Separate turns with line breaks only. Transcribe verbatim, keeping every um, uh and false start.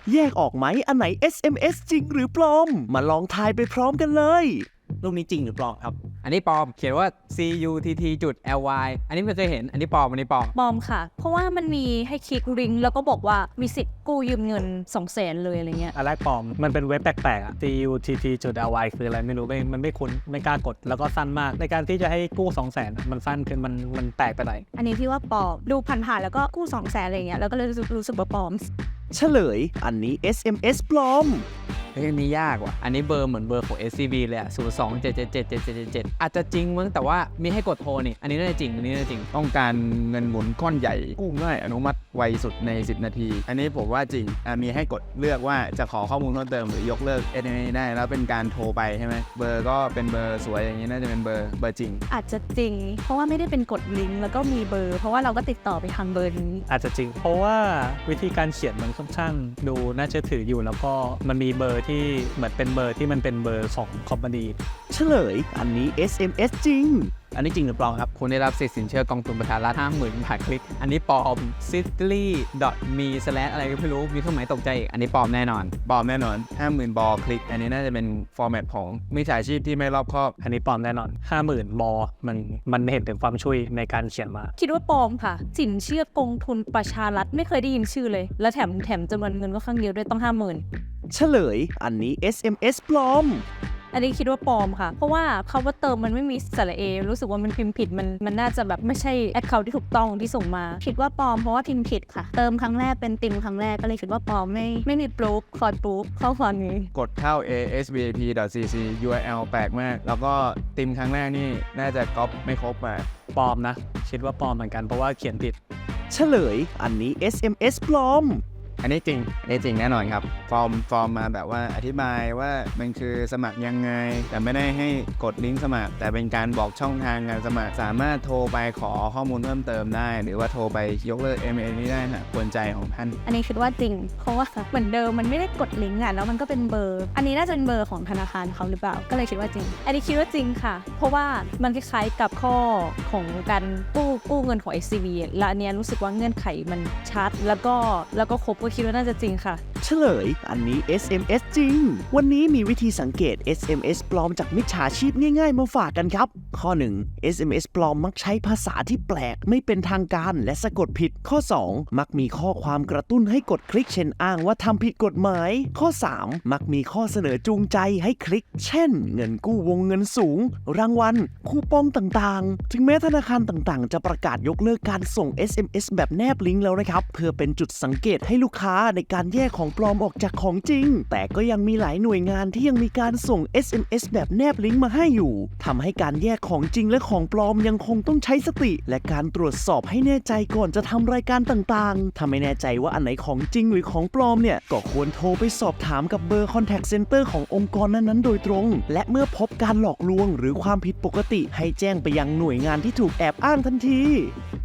แยกออกไหมอันไหน เอส เอ็ม เอส จริงหรือปลอมมาลองทายไปพร้อมกันเลย
รูปนี้จริงหรือปลอมครับ
อันนี้ปลอมเขียนว่า ซี ยู ที ที จุด แอล วาย อันนี้ไม่เคยเห็นอันนี้ปลอมอันนี้ปลอม
ปลอมค่ะเพราะว่ามันมีให้คลิกลิงก์แล้วก็บอกว่ามีสิทธิ์กู้ยืมเงิน สองแสน เลยอะไรเงี้ย
อันแรกปลอมมันเป็นเว็บแปลกๆอ่ะ ซี ยู ที ที จุด แอล วาย คืออะไรไม่รู้ไม่มันไม่คุ้นไม่กล้ากดแล้วก็สั้นมากในการที่จะให้กู้ สองแสน มันสั้นขึ้นมันมันแตกไปไหน
อันนี้พี่ว่าปลอมดูผ่านๆแล้วก็กู้ สองแสน อะไรเงี้ยแล้วก็เลยรู้สึกรู้สึกว่าปลอม
เฉลยอันนี้ เอส เอ็ม เอส ปลอม
เฮ้ยอันนี้ยากว่ะอันนี้เบอร์เหมือนเบอร์ของ เอส ซี บี เลยอะศูนย์ สอง เจ็ด เจ็ด เจ็ด เจ็ด เจ็ด เจ็ดอาจจะจริงมั้งแต่ว่ามีให้กดโทรนี่อันนี้น่าจะจริงอันนี้น่าจะจริง
ต้องการเงินหมุนก้อนใหญ่กู้ง่ายอนุมัติไวสุดในสิบนาทีอันนี้ผมว่าจริงมีให้กดเลือกว่าจะขอข้อมูลเพิ่มเติมหรือยกเลิก เอส เอ็ม เอส ได้แล้วเป็นการโทรไปใช่ไหมเบอร์ก็เป็นเบอร์สวยอย่างนี้น่าจะเป็นเบอร์เบอร์จริง
อาจจะจริงเพราะว่าไม่ได้เป็นกดลิงก์แล้วก็มีเบอร์เพราะว่าเราก็ติดต่อไปทางเบอร์นี้
อาจจะจริงเพราะว่าวิธีการเขียนมันค่อนข้างดูน่าเชื่อถืออยู่แล้วก็มันมีเบอร์ที่เหมือนเป็นเบอร์ที่มันเป็นเบอร์ของคอมพานี
เฉลยอันนี้ เอส เอ็ม เอส จริง
อันนี้จริงหรือปลอมครับคุณได้รับสิทธิ์สินเชื่อกองทุนประชารัฐ ห้าหมื่น บาทคลิกอันนี้ปลอม ซิตลี่ ดอท มี สแลช อะไรก็ไม่รู้มีเครื่องหมายตกใจอีกอันนี้ปลอมแน่นอน
ปลอมแน่นอน ห้าหมื่น บอลคลิกอันนี้น่าจะเป็นฟอร์แมตของมิจฉาชีพที่ไม่รอบคอบ
อันนี้ปลอมแน่นอน ห้าหมื่น บอลมันมันเห็นถึงความช่วยในการเขียนมา
คิดว่าปลอมค่ะสินเชื่อกองทุนประชารัฐไม่เคยได้ยินชื่อเลยและแถมแถมจำนวนเงินก็ครั้งเดียวด้วยต้อง ห้าหมื่น
เฉลยอันนี้ เอส เอ็ม เอส ปลอม
อันนี้คิดว่าปลอมค่ะเพราะว่าคำว่าเติมมันไม่มีสระเอรู้สึกว่ามันพิมพ์ผิดมันมันน่าจะแบบไม่ใช่แอคเคาท์ที่ถูกต้องที่ส่งมาคิดว่าปลอมเพราะว่าพิมพ์ผิดค่ะเติมครั้งแรกเป็นติมครั้งแรกก็เลยคิดว่าปลอมไม่ไม่มีปลูกคอยปลูกข้อความนี้
กดเข้า เอ เอส วี ไอ พี ดอท ซี ซี ยู อาร์ แอล แปลกมากแล้วก็ติมครั้งแรกนี่น่าจะก๊อปไม่ครบมา
ปลอมนะคิดว่าปลอมเหมือนกันเพราะว่าเขียนผิด
เฉลยอันนี้ เอส เอ็ม เอส ปลอม
อันนี้จริงอันนี้จริงแน่นอนครับฟอร์มฟอร์มมาแบบว่าอธิบายว่ามันคือสมัครยังไงแต่ไม่ได้ให้กดลิงก์สมัครแต่เป็นการบอกช่องทางการสมัครสามารถโทรไปขอข้อมูลเพิ่มเติมได้หรือว่าโทรไปยกเลิก เอ็ม เอ นี้ได้นะควรใจของท่าน
อันนี้คิดว่าจริงเพราะว่าเหมือนเดิมมันไม่ได้กดลิงก์อ่ะแล้วมันก็เป็นเบอร์อันนี้น่าจะเป็นเบอร์ของธนาคารเขาหรือเปล่าก็เลยคิดว่าจริงอันนี้คิดว่าจริงค่ะเพราะว่ามันคล้ายๆกับข้อของการกู้กู้เงินของ เอส ซี บี และอันนี้รู้สึกว่าเงื่อนไขมันชัดแล้วก็แล้วก็ครบก็คิดว่าน่าจะจริงค่ะ
เฉลยอันนี้ เอส เอ็ม เอส จริงวันนี้มีวิธีสังเกต เอส เอ็ม เอส ปลอมจากมิจฉาชีพง่ายๆมาฝากกันครับข้อหนึ่ง เอส เอ็ม เอส ปลอมมักใช้ภาษาที่แปลกไม่เป็นทางการและสะกดผิดข้อสองมักมีข้อความกระตุ้นให้กดคลิกเช่นอ้างว่าทำผิดกฎหมายข้อสามมักมีข้อเสนอจูงใจให้คลิกเช่นเงินกู้วงเงินสูงรางวัลคูปองต่างๆถึงแม้ธนาคารต่างๆจะประกาศยกเลิกการส่ง เอส เอ็ม เอส แบบแนบลิงก์แล้วนะครับเพื่อเป็นจุดสังเกตให้ลูกค้าในการแยกของปลอมออกจากของจริงแต่ก็ยังมีหลายหน่วยงานที่ยังมีการส่ง เอส เอ็ม เอส แบบแนบลิงก์มาให้อยู่ทำให้การแยกของจริงและของปลอมยังคงต้องใช้สติและการตรวจสอบให้แน่ใจก่อนจะทำรายการต่างๆถ้าไม่แน่ใจว่าอันไหนของจริงหรือของปลอมเนี่ยก็ควรโทรไปสอบถามกับเบอร์ Contact Center ขององค์กรนั้นๆโดยตรงและเมื่อพบการหลอกลวงหรือความผิดปกติให้แจ้งไปยังหน่วยงานที่ถูกแอบอ้างทันที